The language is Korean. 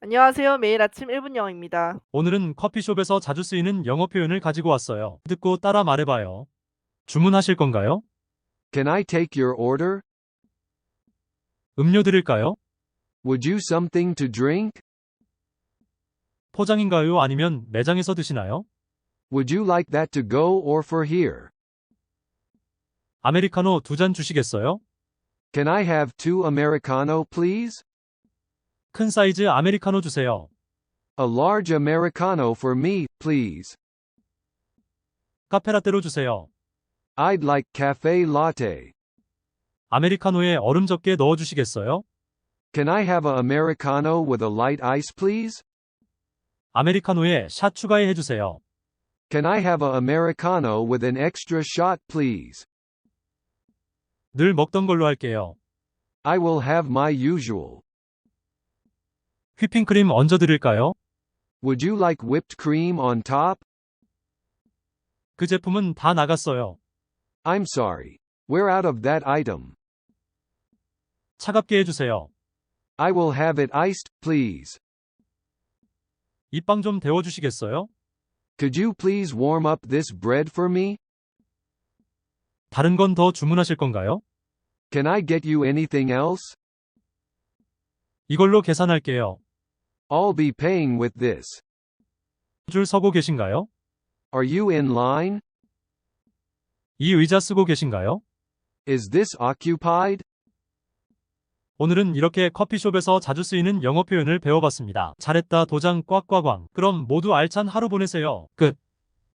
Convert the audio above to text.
안녕하세요. 매일 아침 1분 영어입니다. 오늘은 커피숍에서 자주 쓰이는 영어 표현을 가지고 왔어요. 듣고 따라 말해봐요. 주문하실 건가요? Can I take your order? 음료 드릴까요? Would you something to drink? 포장인가요? 아니면 매장에서 드시나요? Would you like that to go or for here? 아메리카노 2잔 주시겠어요? Can I have two Americano, please? 큰 사이즈 아메리카노 주세요. A large Americano for me, please. 카페라떼로 주세요. I'd like cafe latte. 아메리카노에 얼음 적게 넣어 주시겠어요? Can I have a Americano with a light ice, please? 아메리카노에 샷 추가해 주세요. Can I have a Americano with an extra shot, please? 늘 먹던 걸로 할게요. I will have my usual. 휘핑크림 얹어 드릴까요? Would you like whipped cream on top? 그 제품은 다 나갔어요. I'm sorry. We're out of that item. 차갑게 해주세요. I will have it iced, please. 이 빵 좀 데워 주시겠어요? Could you please warm up this bread for me? 다른 건 더 주문하실 건가요? Can I get you anything else? 이걸로 계산할게요. I'll be paying with this. 줄 서고 계신가요? Are you in line? 이 의자 쓰고 계신가요? Is this occupied? 오늘은 이렇게 커피숍에서 자주 쓰이는 영어 표현을 배워봤습니다. 잘했다 도장 꽉꽉왕. 그럼 모두 알찬 하루 보내세요. 끝.